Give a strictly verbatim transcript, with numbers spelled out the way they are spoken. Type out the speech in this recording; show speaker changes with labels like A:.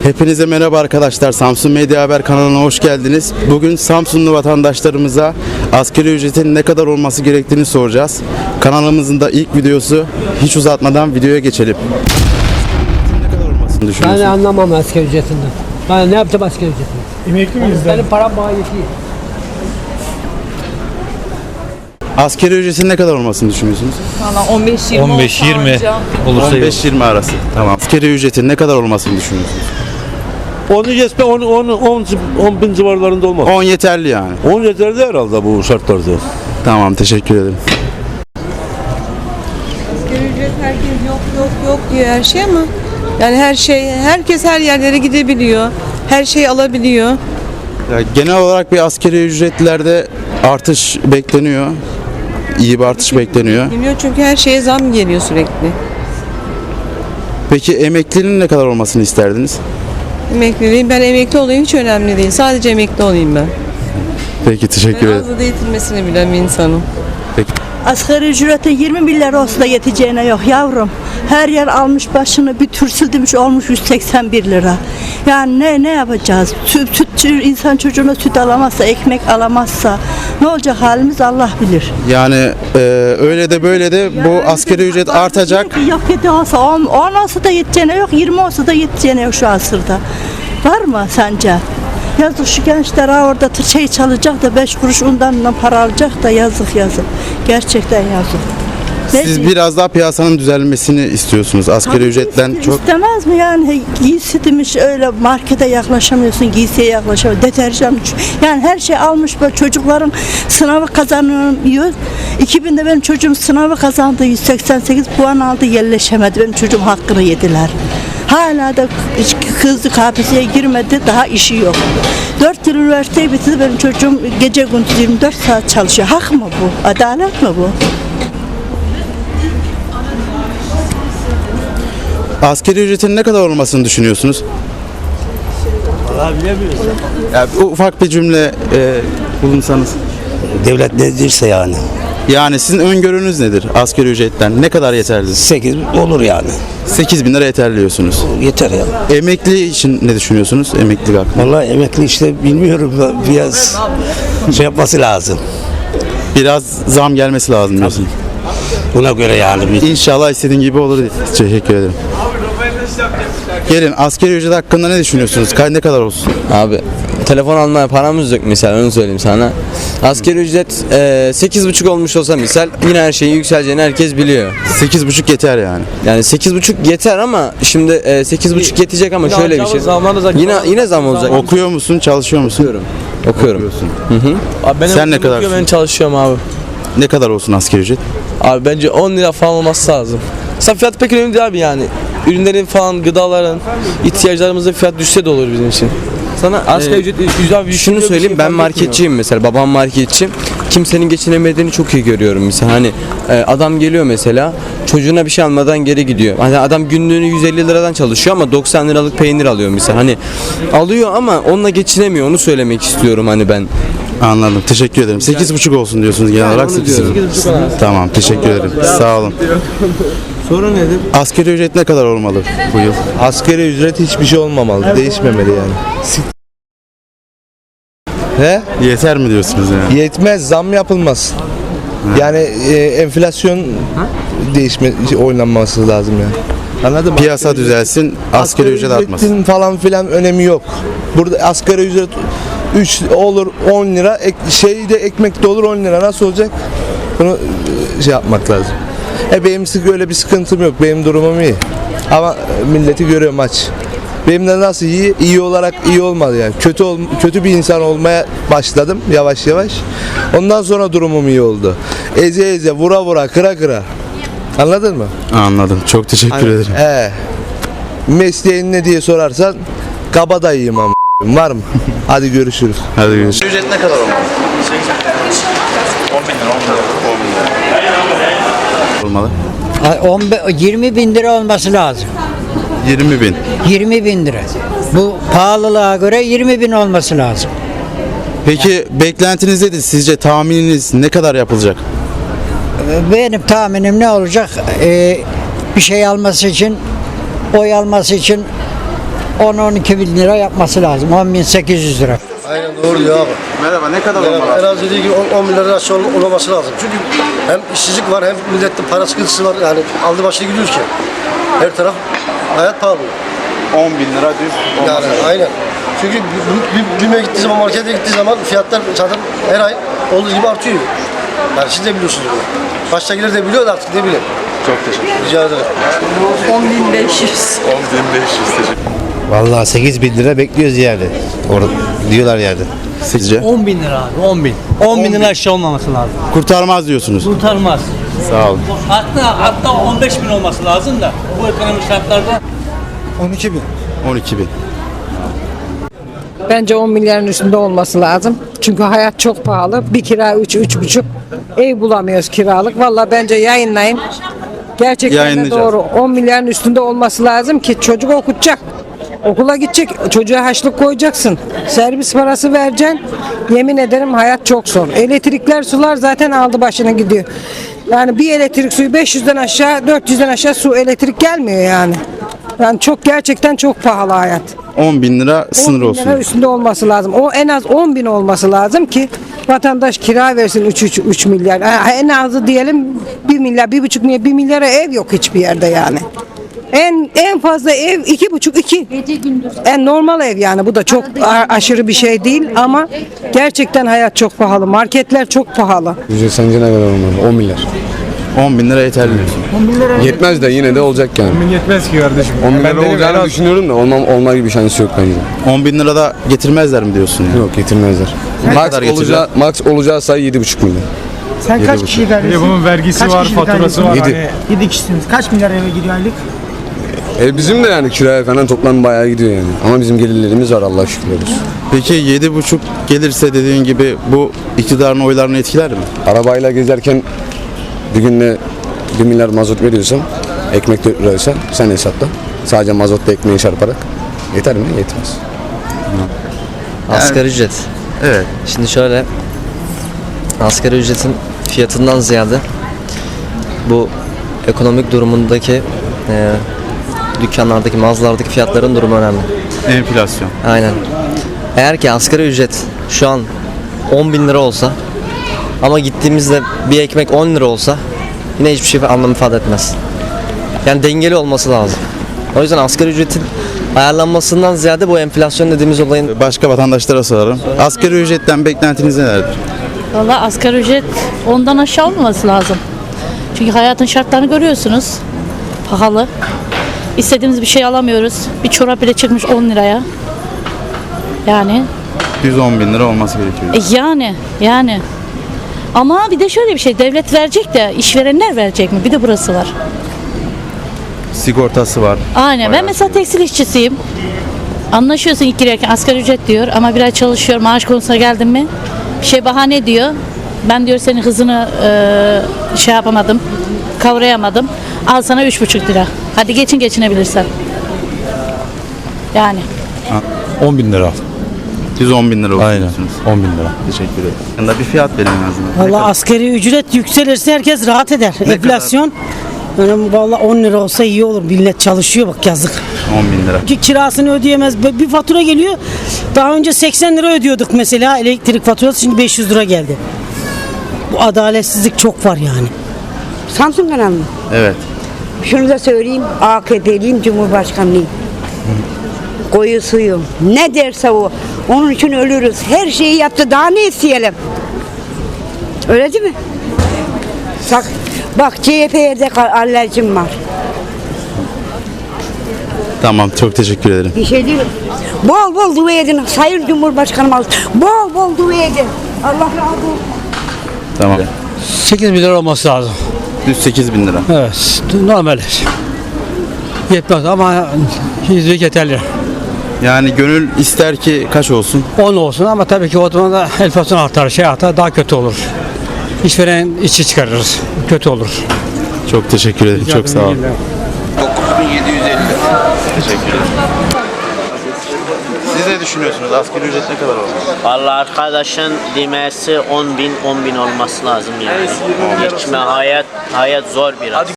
A: Hepinize merhaba arkadaşlar. Samsun Medya Haber kanalına hoş geldiniz. Bugün Samsunlu vatandaşlarımıza asgari ücretin ne kadar olması gerektiğini soracağız. Kanalımızın da ilk videosu. Hiç uzatmadan videoya geçelim. Ne kadar olmasını düşünüyorsun?
B: Ben anlamam asgari ücretinden. Ben ne yapacağım asgari ücretinden?
C: Emekli miyiz?
B: Benim param bana yetiyor.
A: Asgari ücretin ne kadar olmasını düşünüyorsunuz?
D: Valla on beş yirmi
C: on beş yirmi olursa
A: on beş yirmi arası. Tamam. Asgari ücretin ne kadar olmasını düşünüyorsunuz?
E: Onu geçme on on on on bin civarlarında olmaz.
A: on yeterli yani.
E: on yeterli herhalde bu şartlarda.
A: Tamam, teşekkür ederim.
D: Asgari ücret herkes yok yok yok diyor her şey ama yani her şey herkes her yerlere gidebiliyor. Her şeyi alabiliyor.
A: Ya, genel olarak bir asgari ücretlerde artış bekleniyor. İyi bir artış bekleniyor.
D: Bilmiyor çünkü her şeye zam geliyor sürekli.
A: Peki emeklinin ne kadar olmasını isterdiniz?
D: Emekliliğim ben emekli olayım hiç önemli değil. Sadece emekli olayım ben.
A: Peki, teşekkür
D: Ben
A: ederim.
D: az da yetinmesini bilen bir insanım.
F: Asgari ücretin yirmi milyar olsa da yeteceğine yok yavrum. Her yer almış başını bir tür sildirmiş olmuş yüz seksen bir lira. Yani ne ne yapacağız? Süt, süt insan çocuğuna süt alamazsa, ekmek alamazsa ne olacak halimiz Allah bilir.
A: Yani e, öyle de böyle de bu asgari ücret artacak.
F: Diyor ki, Yok yedi olsa on, on olsa da yeteceğine yok, yirmi olsa da yeteceğine yok şu asırda. Var mı sence? Yazık şu gençler ha orada tır- şey çalacak da beş kuruş undan para alacak da yazık yazık. Gerçekten yazık. Ne
A: Siz
F: diyeyim?
A: biraz daha piyasanın düzelmesini istiyorsunuz. Asgari
F: Tabii
A: ücretten
F: iste-
A: çok.
F: istemez mi yani giysi demiş öyle markete yaklaşamıyorsun, giysiye yaklaşamıyorsun, deterjan yani her şey almış böyle çocukların sınavı kazanıyor. iki binde benim çocuğum sınavı kazandı, yüz seksen sekiz puan aldı, yerleşemedi, benim çocuğum hakkını yediler. Hala da kızdı K P S S'ye girmedi, daha işi yok. dört yıl üniversiteyi bitirdi, benim çocuğum gece gündüz yirmi dört saat çalışıyor. Hak mı bu? Adalet mi bu?
A: Asgari ücretin ne kadar olmasını düşünüyorsunuz?
E: Vallahi bilemiyoruz.
A: Ya, ufak bir cümle e, bulunsanız.
G: Devlet ne derse yani.
A: Yani sizin öngörünüz nedir asgari ücretten? Ne kadar yeterli?
G: sekiz olur yani.
A: sekiz bin lira yeterli diyorsunuz.
G: Yeter ya.
A: Emekli için ne düşünüyorsunuz? Emeklilik hakkında.
G: Vallahi emekli işte bilmiyorum biraz şey yapması lazım.
A: Biraz zam gelmesi lazım diyorsun.
G: Buna göre yani. Bir...
A: İnşallah istediğin gibi olur. Teşekkür ederim. Gelin, asgari ücret hakkında ne düşünüyorsunuz? Ka- Ne kadar olsun?
H: Abi telefon almaya paramız yok misal, onu söyleyeyim sana. Asgari ücret e, sekiz buçuk olmuş olsa misal yine her şeyin yükseleceğini herkes biliyor.
A: sekiz buçuk yeter yani.
H: Yani sekiz buçuk yeter ama şimdi e, sekiz buçuk yetecek ama şöyle bir şey. Yine yine zam olacak.
A: Okuyor musun, çalışıyor musun?
H: Okuyorum. Okuyorum.
I: Abi benim
A: Sen ne
I: okulum
A: kadar
I: okuyor, ben
A: istiyorsun?
I: çalışıyorum abi.
A: Ne kadar olsun asgari ücret?
I: Abi bence on lira falan olması lazım. Mesela fiyat pek önemli değil abi yani. Ürünlerin falan, gıdaların, ihtiyaçlarımızın fiyat düşse de olur bizim için.
H: Sana
I: Asgari
H: e,
I: ücret güzel bir
H: şunu
I: bir
H: söyleyeyim,
I: şey
H: ben
I: fark
H: marketçiyim mesela, babam marketçi. Kimsenin geçinemediğini çok iyi görüyorum mesela. Hani e, adam geliyor mesela, çocuğuna bir şey almadan geri gidiyor. Hani adam günlüğünü yüz elli liradan çalışıyor ama doksan liralık peynir alıyor mesela. Hani alıyor ama onunla geçinemiyor, onu söylemek istiyorum hani ben.
A: Anladım. Teşekkür ederim. sekiz buçuk olsun diyorsunuz genel olarak.
H: onu
A: sekiz
H: diyorum.
A: Tamam, teşekkür ederim. Sağ olun.
E: Soru nedir?
A: Asgari ücret ne kadar olmalı bu yıl?
E: Asgari ücret hiçbir şey olmamalı. Değişmemeli yani. He?
A: Yeter mi diyorsunuz yani?
E: Yetmez, zam yapılmaz. Yani e, enflasyon değişme oynanması lazım yani. Anladın mı?
A: Piyasa düzelsin, asgari ücret artmasın.
E: ücretin falan filan önemi yok. Burada asgari ücret üç olur on lira, ek, şeyde ekmek de olur on lira. Nasıl olacak? Bunu e, şey yapmak lazım. E benim öyle bir sıkıntım yok. Benim durumum iyi. Ama milleti görüyorum aç. Benim de nasıl iyi? İyi olarak iyi olmadı yani. Kötü ol, kötü bir insan olmaya başladım yavaş yavaş. Ondan sonra durumum iyi oldu. Eze eze, vura vura, kıra kıra. Anladın mı?
A: Anladım. Çok teşekkür ederim.
E: He. Mesleğin ne diye sorarsan kabadayıyım ama var mı? Hadi görüşürüz.
A: Hadi görüşürüz. Ücret ne kadar olmalı? Olmalı.
B: on be- yirmi bin lira olması lazım.
A: yirmi bin.
B: yirmi bin lira. Bu pahalılığa göre yirmi bin olması lazım.
A: Peki beklentiniz nedir? Sizce tahmininiz ne kadar yapılacak?
B: Benim tahminim ne olacak? Ee, bir şey alması için, oy alması için on on iki bin lira yapması lazım. on bin sekiz yüz lira.
C: Aynen doğru diyor abi.
A: Merhaba, ne kadar
C: Yani en
A: olmalı?
C: az dediği gibi on bin lira aşağı ol- olmaması lazım. Çünkü hem işsizlik var hem millette para sıkıntısı var. Yani aldı başına gidiyoruz ki. Her taraf hayat pahalı.
A: on bin lira düz
C: Yani
A: olması.
C: aynen. Çünkü bir, bir, BİM'e gittiği zaman, markete gittiği zaman fiyatlar zaten her ay olduğu gibi artıyor. Yani siz de biliyorsunuz bunu. Baştakiler de biliyor da artık ne bileyim.
A: Çok teşekkür ederim.
C: Rica ederim.
D: on bin beş yüz.
G: Vallahi sekiz bin lira bekliyoruz yani. Orada diyorlar yani.
A: Sizce?
J: on bin lira abi on bin. on bin lira aşağı olmaması lazım.
A: Kurtarmaz diyorsunuz.
J: Kurtarmaz.
A: Sağ olun.
J: Hatta hatta on beş bin olması lazım da bu ekonomik şartlarda.
G: on iki bin.
A: on iki bin.
K: Bence on milyarın üstünde olması lazım. Çünkü hayat çok pahalı. Bir kira üç, üç buçuk. Ev bulamıyoruz kiralık. Vallahi bence yayınlayın. Gerçekten de
A: Yayınlayacağız.
K: doğru. on milyarın üstünde olması lazım ki çocuk okutacak. Okula gidecek. Çocuğa haçlık koyacaksın. Servis parası vereceksin. Yemin ederim hayat çok zor. Elektrikler, sular zaten aldı başına gidiyor. Yani bir elektrik suyu beş yüzden aşağı, dört yüzden aşağı su elektrik gelmiyor yani. Yani çok gerçekten çok pahalı hayat.
A: on bin lira sınır
K: on bin
A: olsun.
K: lira üstünde olması lazım. O en az on bin olması lazım ki vatandaş kira versin üç milyar. Ha, en azı diyelim bir milyar, bir buçuk milyar, bir milyara ev yok hiçbir yerde yani. En en fazla ev iki buçuk iki. En normal ev yani, bu da çok a- aşırı bir şey değil ama gerçekten hayat çok pahalı. Marketler çok pahalı.
E: Ücret sence ne kadar olmalı? on milyar.
A: on bin lira yeterli diyorsun.
E: Yetmez de yine de olacak yani.
G: Yetmez ki kardeşim.
E: on bin lira olacağını düşünüyorum da olmam, olma gibi şansı yok bence.
A: on bin lira da getirmezler mi diyorsun ya?
E: Yok getirmezler.
A: Ne
E: Max
A: kadar getirirler?
E: olacağı, max olacağı sayı yedi buçuk milyon.
J: Sen kaç kişiyi kardeşsin?
G: Bunun vergisi
J: Kaç
G: var,
J: kişilik
G: faturası
J: aileniz
G: var.
E: Yedi.
G: Hani
J: yedi kişisiniz. Kaç milyar eve gidiyor aylık?
E: E bizim de yani kiraya falan toplam bayağı gidiyor yani. Ama bizim gelirlerimiz var Allah şükürler olsun.
A: Peki yedi buçuk gelirse dediğin gibi bu iktidarın oylarını etkiler mi?
E: Arabayla gezerken bir günde bir milyar mazot veriyorsam, ekmek dört liraysa sen hesapla. Sadece mazotla ekmeği çarparak. Yeter mi? Yetmez.
L: Asgari ücret.
A: Evet.
L: Şimdi şöyle, asgari ücretin fiyatından ziyade bu ekonomik durumundaki e, dükkanlardaki, mağazalardaki fiyatların durumu önemli.
A: Enflasyon.
L: Aynen. Eğer ki asgari ücret şu an on bin lira olsa ama gittiğimizde bir ekmek on lira olsa yine hiçbir şey anlam ifade etmez. Yani dengeli olması lazım. O yüzden asgari ücretin ayarlanmasından ziyade bu enflasyon dediğimiz olayın
A: Başka vatandaşlara sorarım. Asgari ücretten beklentiniz nelerdir?
M: Valla asgari ücret ondan aşağı olmaması lazım. Çünkü hayatın şartlarını görüyorsunuz. Pahalı. İstediğimiz bir şey alamıyoruz. Bir çorap bile çıkmış on liraya. Yani.
A: yüz on bin lira olması gerekiyor.
M: E yani. Yani. Ama bir de şöyle bir şey. Devlet verecek de işverenler verecek mi? Bir de burası var.
A: Sigortası var.
M: Aynen. Ben mesela tekstil işçisiyim. Anlaşıyorsun ilk girerken asgari ücret diyor ama bir ay çalışıyor, maaş konusuna geldin mi bir şey bahane diyor. Ben diyor senin hızını e, şey yapamadım, kavrayamadım. Al sana üç buçuk lira. Hadi geçin geçinebilirsen. Yani.
G: on bin lira.
A: yüz on bin lira olsun
G: Aynen.
A: diyorsunuz.
G: on bin lira.
A: Teşekkür ederim. Yanında bir fiyat verin en azından. Ne
J: Valla
A: kadar?
J: asgari ücret yükselirse herkes rahat eder.
A: Ne
J: Enflasyon. Yani valla on lira olsa iyi olur. Millet çalışıyor bak yazık.
A: on bin lira.
J: Ki kirasını ödeyemez. Bir fatura geliyor. Daha önce seksen lira ödüyorduk mesela elektrik faturası, şimdi beş yüz lira geldi. Bu adaletsizlik çok var yani.
K: Samsun kanalı mı?
A: Evet.
K: Şunu da söyleyeyim. A K P'liyim, Cumhurbaşkanlıyım. Koyu suyum. Ne derse o. Onun için ölürüz. Her şeyi yaptı. Daha ne isteyelim? Öyle değil mi? Bak, bak C H P'ye de alerjim var.
A: Tamam, çok teşekkür ederim.
K: Bir şey değil. Bol bol dua edin. Sayın Cumhurbaşkanım. Bol bol dua edin. Allah razı olsun.
A: Tamam.
J: sekiz bin lira olması lazım.
A: Düz sekiz bin lira.
J: Evet. Normal. Yetmez ama yüzlük yeterli.
A: Yani gönül ister ki kaç olsun?
J: on olsun ama tabii ki o zaman da enflasyon artar, şey artar, daha kötü olur. İşveren işçi çıkarırız. Kötü olur.
A: Çok teşekkür ederim. Çok sağ olun.
E: dokuz bin yedi yüz elli.
A: Teşekkür ederim. Siz ne düşünüyorsunuz? Asgari ücret ne kadar olmalı?
N: Vallahi arkadaşın demesi on bin on bin olması lazım yani. Geçme hayat hayat zor biraz.